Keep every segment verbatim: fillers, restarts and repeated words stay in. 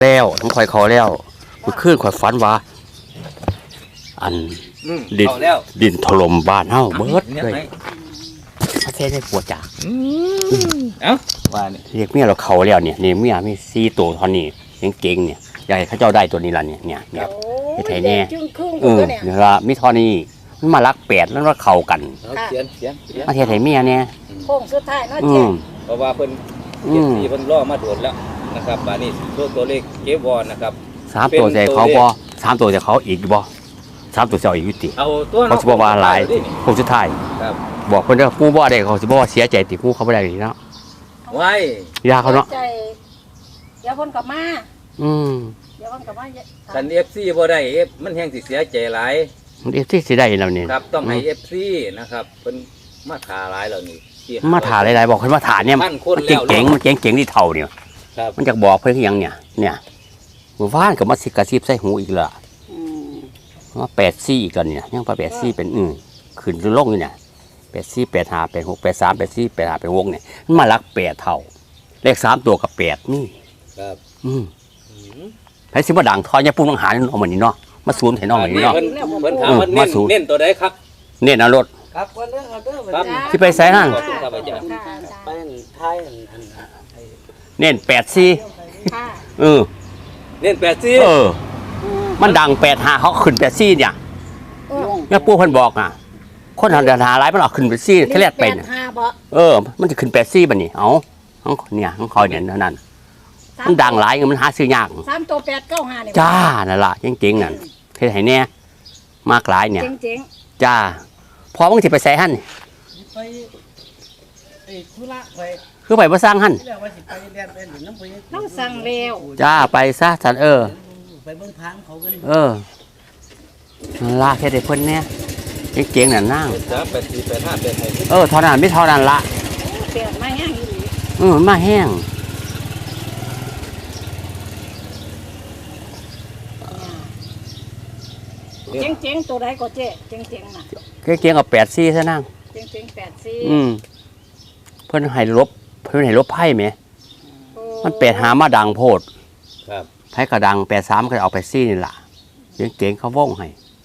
แล้วทั้งข่อยเขาแล้วมันขึ้นข่อยฝันว่าอันดินดินถล่มบ้านเฮาเบิดเลยประเทศได้ปวดจากเอ้าว่านี่เรียกเมียเราเขาแล้วเนี่ยนี่เมียมีสี่ตัวเท่านี้เก่งๆเนี่ยอยากให้เขาเจ้าได้ตัวนี้ล่ะเนี่ยเนี่ยเนี่ยไทยแน่เออเนี่ยละมีเท่านี้มันมารักแปดแล้วมาเข้ากันเขียนเขียนประเทศไทยเมียเนี่ยโค้งสุดท้ายเนาะเจ๊เพราะว่าเพิ่นเจ็ดสี่เพิ่นล่อมาโดดแล้วนะครับบาดนี้ตัวตัวเลขเก็บวอนนะครับสามตัวใจเขาบ่สามตัวใจเขาอีกบ่สามตัวเจ้าอีกยุติเอาตัวเขาสิบอกว่าหลายโค้งสุดท้ายครับบอกเพิ่นว่าผู้บ่ได้เขาสิบอกว่าเสียใจติผู้เขาบ่ได้นี่เนาะไว้ยาเขาเนาะเดี๋ยวเพิ่นกลับมาอืมเดี๋ยวเพิ่นกลับมาคัน เอฟ ซี บ่ได้ F มันแฮงสิเสียใจหลายมัน เอฟ ซี สิได้แล้วนี่ครับต้องให้ เอฟ ซี นะครับเพิ่นมาถ่าหลายแล้วนี่มาถ่าหลายๆบอกเพิ่นมาถ่าเนี่ยมันเก่งๆมันเก่งๆที่เท่าเนี่ยมันจะบอกเพิ่นคือหยังเนี่ยเนี่ยหมู่บ้านก็มาสิกระซิบใส่หูอีกละว่าแปดสี่อีกแล้วเนี่ยยังว่าแปดสี่เป็นอือขึ้นลงอยู่เนี่ยแปดสี่แปดห้าแปดหกแปดสามแปดสี่แปดห้าแปดหกเนี่ยมันมาลักแปดเท่าเลขสามตัวกับแปดนี่ครับอืมไผสิบ่ดังทอยเนี่ยปุ้งต้องหาเอาเหมือนนี้เนาะมาศูนย์ให้น้องเหมือนนี้เนาะเพิ่นเพิ่นถามว่าเน้นเน้นตัวใดครับเน้นเอารถครับวันเรื่องเอาเด้อครับสิไปไสนั่นครับอาจารย์ไปท้ายอันอันเน้นแปดสี่เออเน้นแปดสี่เออมันดังแปดห้าเขาขึ้นแปดสี่เนี่ยแม่ปู่เพิ่นบอกอ่ะคนหาหาหลายมันเอาขึ้นแปดสี่แค่แรกเป็นเออมันจะขึ้นแปดสี่บัดนี้เอ้าเนี่ยของเขาเนี่ยนั่นมันดังหลายมันหาซื้อยากสามตัวแปดเก้าห้าเนี่ยจ้านั่นล่ะจริงๆนั่นเฮ็ดให้แน่มากหลายเนี่ยจริงๆจ้าพอมึงสิไปใส่หั่นไปไอ้ธุระไปคือไปบ่สร้างหั่นต้องสั่งแล้วจ้าไปซะฉันเออไปเบิ่งทางเขากันเออนั่นล่ะเฮ็ดให้เพิ่นแน่จริงๆนั่นนางจ้าแปดสี่แปดห้าแปดหกเออเท่านั้นไม่เท่านั้นละแปดมาแห้งอีหลีเออมาแห้งเจ๋งเจ๋งตัวใดก็เจ๊เจ๋งเจ๋งน่ะเก่งๆกับแปดซี่ซะนั่งเจ๋งเจ๋งแปดซี่อืมเพิ่นให้ลบเพิ่นให้ลบไพ่ไหมมันแปดหามาดังโพดครับไพ่กระดังแปดสามก็เอาแปดซี่นี่ล่ะเก่งๆเขาว่องให้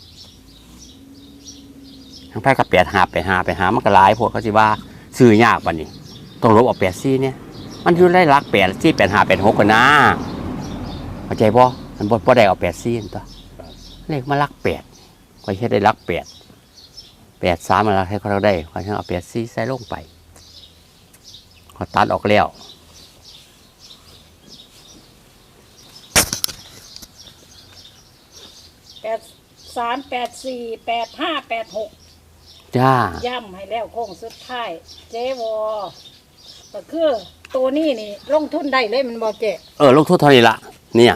ทั้งไพ่กับแปดหาแปดหาแปดหามันก็หลายโพดเขาสิว่าซื้อยากปะนี่ต้องลบเอาแปดซี่เนี่ยมันอยู่ได้รักแปดซี่แปดหาแปดหกกันนะเข้าใจบ่มันบ่ได้เอาแปดซี่ตัวเลขมารักแปดคอยเฮ็ดได้รักแปดแปดสามมารักให้เขาได้คอยเอาแปดซี่ใส่ลงไปเขาตัดออกแล้วแปดสามแปดสี่แปดห้าแปดหกจ้าย่ำให้แล้วโค้งสุดท้ายเจวอก็คือตัวนี้นี่ลงทุนได้เลยมันบอกเจ๊เออลงทุนเท่านี้ละเนี่ย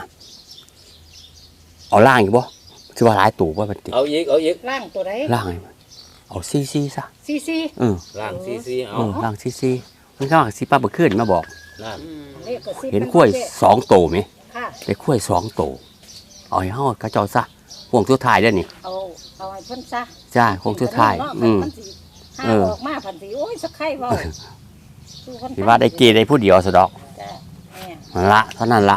เอาล่างอยู่บ่สิว่าหลายตู่บ่บัดนี้เอาอีกเอาอีกล่างตัวใดล่างเอาซีซีซะซีซีเออล่างซีซีเอาล่างซีซีมันก็สิป้าบ่ขึ้นมาบอกนั่นเห็นกล้วยสองโตมั้ยค่ะได้กล้วยสองโตเอาให้เฮากระเจ้าซะพวงสุดท้ายเด้อนี่เอาเอาให้เพิ่นซะจ้าพวงสุดท้ายอืมเออออกมาพันสิโอ้ยสักไข่เว้าสิว่าได้เกได้ผู้เดียวซะดอกจ้าแม่นั่นละเท่านั้นละ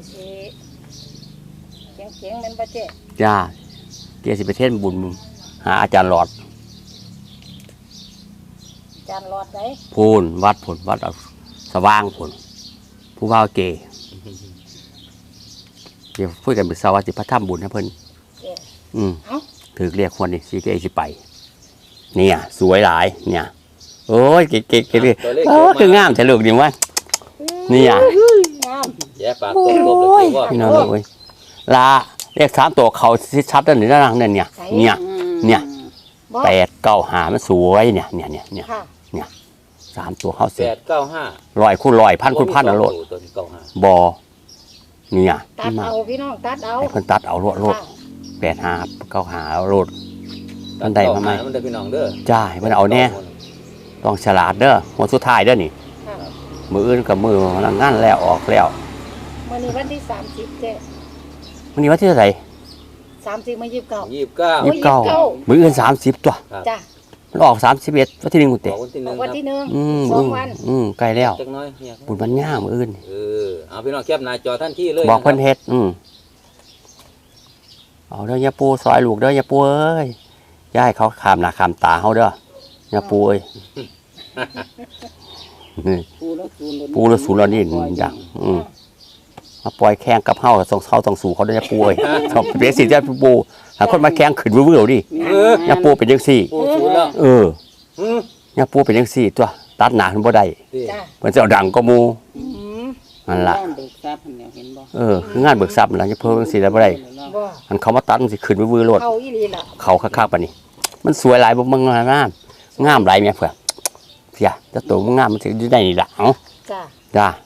เจ๋งๆมันบ่เจ๊จ้าเกียรสิไปเทศบุญหาอาจารย์หลอดอาจารย์หลอดไหนพูนวัดผลวัดสว่างผลผู้ว่าเกเดี๋ยวพูดกันเป็นสวัสดิพระธรรมบุญนะเพิ่นอืมถือเรียกคนนี่ซีเกสิไปเนี่ยสวยหลายเนี่ยโอ้ยเก๋เก๋เก๋โอ้คืองามแต่ลูกดีว่าเนี่ยแย่ปากตัวตัวเลยว่าพี่น้องเลยลาเรียกสามตัวเขาชัดๆนั่นนี่นั่งนั่นเนี่ยเนี่ยเนี่ยแปดเก้าหามันสวยเนี่ยเนี่ยเนี่ยเนี่ยเนี่ยสามตัวเขาเสียแปดเก้าห้าลอยคู่ลอยพันคู่พันนะโลดบอเนี่ยตัดเอาพี่น้องตัดเอาไอ้คนตัดเอาโลดโลดแปดหาเก้าหาโลดมันได้มาไหมมันได้พี่น้องเด้อจ้ามันเอาเนี่ยต้องฉลาดเด้อหัวสุดท้ายเด้อนี่มืออื่นกับมือนั่งงั้นแล้วออกแล้ววันนี้วันที่สามสิบเจ๊วันนี้วันที่เท่าไหร่สามสิบมายี่สิบเก้ายี่สิบเก้ายี่สิบเก้ามืออื่นสามสิบตัวจ้ามันออกสามสิบเอ็ดวันที่หนึ่งกูบเตะอกวันที่หอนึ่อง กวันครับที่หนึ่งอืมสออืงมวันอืมใกล้แล้วจักหน้อยเนี่ยบุญบรรยามื้ออื่นเออเอาพี่น้องแคปหน้าจอท่านที่เลยบอกเพิ่นนะครัเฮ็ดอืมเอาเด้อยาปูซอยลูกเด้อยาปูเอ้ยอย่าให้เขาขามหน้าขามตาเฮาเด้อยาปูเอ้ยนี่ปูแล้วศูนย์ปูแล้วศูนย์แล้วนี่ดังอืมมาปล่อยแข่งกับเฮาต้องเฮาต้องสู้เขาเด้อยาปูเอ้ยต้องเปลี่ยนสิจ้าปูหาคนมาแข่งขึ้นวื้อๆดิเออยาปูเป็นจังซี่ปูศูนย์แล้วเอออืมยาปูเป็นจังซี่ตัวตัดหน้าเพิ่นบ่ได้ดีจ้าเพิ่นสิเอาดังก็หมู่อืมนั่นล่ะบ้านเบิกทรัพย์เนี่ยเห็นบ่เออคืองานเบิกทรัพย์นั่นล่ะยาปูจังซี่แล้วบ่ได้บ่อันเขามาตัดมันสิขึ้นวื้อๆโลดเอาอีหลีล่ะเขาคักๆปานนี้ มันสวยหลายบ่เบิ่งงามงามหลายแม่เพิ่นเสียจะตัวมันงามมันสิอยู่ได้นี่ล่ะเอ้าจ้าจ้า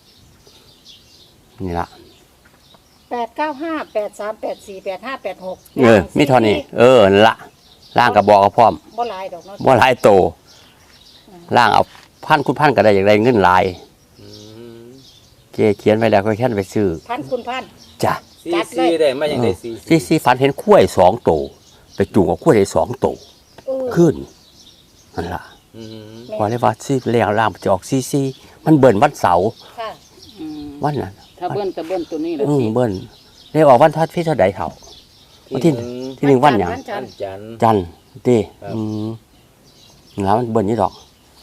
นี่ล่ะแปดเก้าห้าแปดสามแปดสี่แปดห้าแปดหกเออมีเท่านี้เออนั่นล่ะล่างก็บอกกับพร้อมบ่หลายดอกเนาะบ่หลายโตล่างเอาพันคุณพันก็ได้อย่างไรเงินหลายอืมเกเขียนไว้แล้วก็แค่นไปซื้อพันคุณพันจ้ะซีจัดเลยซีได้มาอย่างไดซีที่ซีฟันเห็นข้วยสองโตไปจูงกับข้วยได้สองโตเออขึ้นนั่นล่ะอืมพอเลยว่าซีเลี้ยงล่างมันจะออกซีซีมันเบิ่นวันเสาร์ค่ะอืมวันนั้นถ้าเบิ้ลก็เบิ้ลตัวนี้แหละอืมสิเบิ่นได้ออกวันทัดพี่เท่าใดเท่า วันที่ที่หนึ่งที่หนึ่งวันหยังจัจันนทร์จันทร์จันทร์ติครับอืมแล้วมันเบิ่นนี่ดอก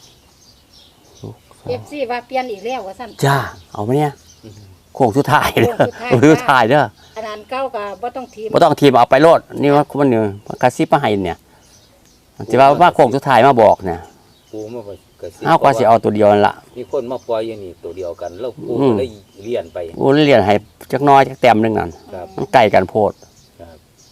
เอฟซีว่าเปลี่ยนอีกแล้วว่าซั่นจ้า เอาไหมเนี่ยโค้งสุดท้ายเด้อโค้งสุดท้ายโค้งสุดท้ายเด้ออันนั้นเก้าก็บ่ต้องทีมบ่ต้องทีมเอาไปโลดนี่ว่ามันนี่กระซิบมาให้เนี่ยสิว่าว่าโค้งสุดท้ายมาบอกเนี่ยปูมาไปกระซิบเฮาก็สิเอาตัวเดียวนั่นล่ะมีคนมาปล่อยอย่างนี้ตัวเดียวกันแล้วปูอืมก็เลยเรียนไปกูเรียนให้จักหน้อยจักแต้มหนึงนั่นครับมันใกล้กันโพดครับ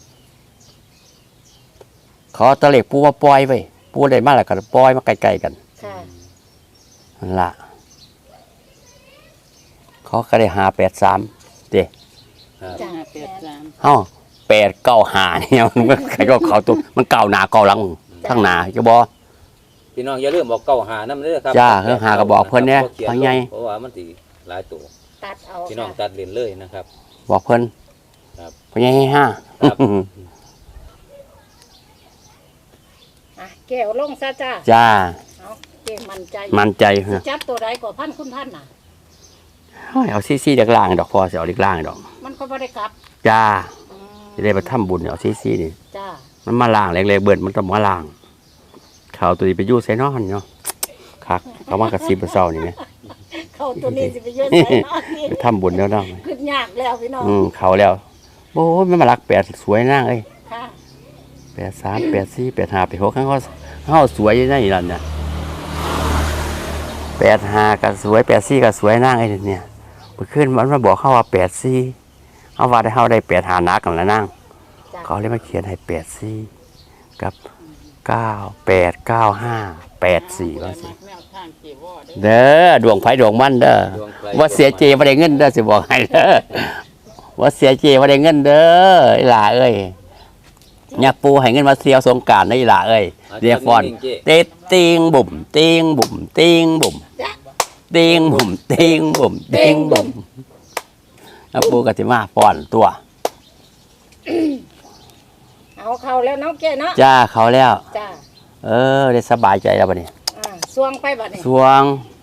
เขาเอาตะเล็กปูมาปล่อยไว้ปูได้มาแล้วก็ปล่อยมาใกล้ๆกันค่ะนั่นล่ะเขาก็ได้หาแปดสามเด้ครับจ้ะห้าแปดสามเฮาแปดเก้าห้าเนี่ยมันก็ใครก็เขาตัวมันเก่าหน้าเก่าหลังข้างหน้าจะบ่พี่น้องอย่าลืมบอกเก้าหาน้ำเด้อครับจ้าเก้าหาก็บอกเพิ่นเนี่ยขียว่าไงลเพราะว่ามันสิหลายตัวตัดเอาพี่น้องค่ะตัดเรียนเลยนะครับบอกเพิ่นครับเพิ่นให้ห้าครับอ่ะแก้วลงซะจ้าจ้าเอาเก่งมั่นใจมั่นใจสิจับตัวใดก็พันคุณพันน่ะเอาซี่ๆจากล่างดอกพอสิเอาเล็กล่างดอกมันก็บ่ได้กลับจ้าอืมจะได้ไปทำบุญเอาซี่ๆนี่จ้ามันมาล่างเล็กๆเบิดมันต้องมาล่างเขาตัวนี้ไปอยู่ไสนอนเนาะคักเขามากระซิบเศร้านี่แหมเข้าตัวนี้สิไปเยอะใส่เนาะนี่ไปทำบุญแล้วเนาะขึ้นยากแล้วพี่น้องอืมเขาแล้วโอ้ยมันมารักแปดสวยนางเอ้ยค่ะแปดสามแปดสี่แปดห้าแปดหกข้างเขาเขาสวยอยู่นั่นนี่ล่ะเนี่ยแปดห้าก็สวยแปดสี่ก็สวยนางไอ้เนี่ยเมื่อคืนมันมาบอกเขาว่าแปดสี่เขาว่าได้เขาได้แปดหานักกันแล้วนางจ้าเขาเลยมาเขียนให้แปดสี่กับเก้าแปดเก้าห้าแปดสี่ว่าสิแนวทางเจวอเด้อเด้อดวงไฟดวงมันเด้อดวงไฟว่าเสียเจว่าได้เงินเด้อสิบอกให้เด้อว่าเสียเจว่าได้เงินเด้อไอ้หล่าเอ้ยยักปูให้เงินมาเสียวสงกรารได้หล่าเอ้ยเรียกฟอนเตะติงบุ่มติงบุ่มติงบุ่มติงบุ่มติงบุ่มติงบุ่มยักปูก็สิมาฟอนตัวเอาเข้าแล้วเนาะแก้เนาะจ้าเขาแล้วจ้าเออได้สบายใจแล้วบัดนี้อ่าสวงไปบัดนี้สวง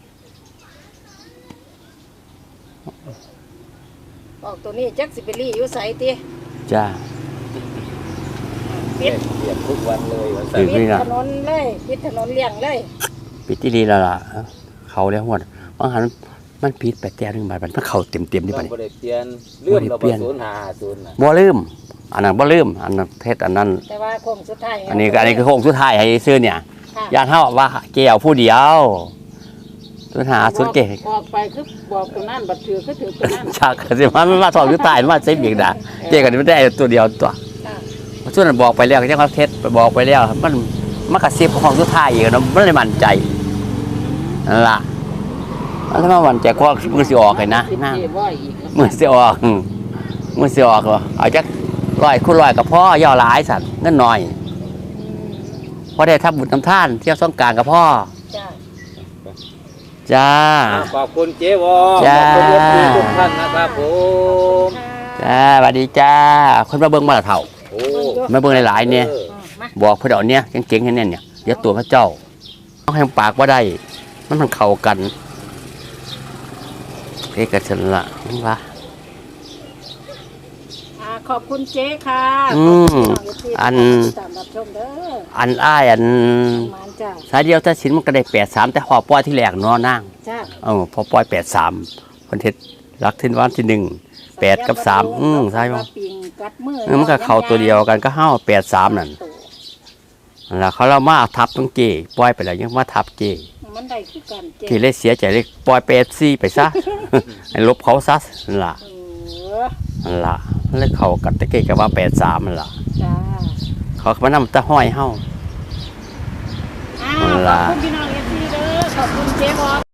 ออกตัวนี้จักสิไปรีอยู่ไสติจ้าปิดเรียนทุกวันเลยวันเสาอืร์มปิดถนนเลยปิดถนนเลี่ยงเลยปิดที่ดีแล้วล่ะเขาแล้วหมดบางหันมันผิดไปแต่หนึงบาทมันเขาเต็มเต็มๆนี่ต้บัอดงนี้บ่ได้เปลี่ยนเรื่องเราบ่ได้เปลี่บ่ยนศูนย์หาศูนย์น่ะบ่ลืมอันนั้นบ่ลืมอันนั้นเทศอันนั้นแต่ว่าโค้งสุดท้ายอันนี้ก็อันนี้คือโค้งสุดท้ายให้ซื้อเนี่ยค่ะญาติเฮาว่าเกี่ยวผู้เดียวสุดหาสุดเก๋ออกไปคือบอกตัวนั้นบัดถือคือถือตัวนั้นฉากสิว่ามันมาสอบสุดท้ายมันมาเซฟอีกนะเจ๊ก็ไม่ได้ตัวเดียวตัวค่ะส่วนนั้นบอกไปแล้วก็ยังเขาเทศไปบอกไปแล้ว มันมันกระซิบของสุดท้ายอีกเนาะมันเลยมั่นใจนั่นล่ะแล้วมามั่นใจก็มือสิออกให้นะสิบนะเจวออีกแล้วมือสิออกอืมมือสิออกเหรอเอาจักร้อยคุณร้อยกับพ่อย่อหลายสัตว์เงินน้อยอืมพอได้ทำบุญทำท่านเที่ยวสงกรานต์กับพ่อจ้าจ้าขอบคุณเจ๊วอจ้าขอบคุณทุกท่านนะครับผมจ้าสวัสดีจ้า คนมาเบิ่งมาละเถ่าโอ้มาเบิ่งหลายๆเนี่ยอออืมมาบอกเพื่อนเอาเนี่ยเก่งๆให้แน่นเนี่ยเดี๋ยวตัวพระเจ้าต้องให้ปากว่าได้มันมันเข้ากันเอกชนละนี่วะอ่าขอบคุณเจ๊ค่ะอืมขอบคุณอันตามรับชมเด้ออันอ้ายอันประมาณจ้าสายเดียวถ้าสินมันก็ได้แปดสามแต่พอปล่อยที่แรกเนอนั่งจ้าเออพอปล่อยแปดสามคนเท็ดรักทิ้นวันที่หนึ่งแปดกับสามอืมใช่ไหมปิงกัดมือเออมันก็เข้าตัวเดียวกันก็ห้าแปดสามนั่นนั่นล่ะเขาเรามาทับต้องเจปล่อยไปแล้วยังมาทับเจมันได้คือกันเจ๊ที่เลยเสียใจเลยปล่อยไปเอฟซีไปซะ ให้ลบเขาซะนั่นล่ะเออนั่นล่ะมันเลยเข้ากันตะเกียกับว่าแปดสามนั่นล่ะจ้าเขามานำตะห้อยเฮาอ้าวนั่นขล่ะอบคุณพี่น้องเอฟซีเด้อขอบคุณเจ๊บอ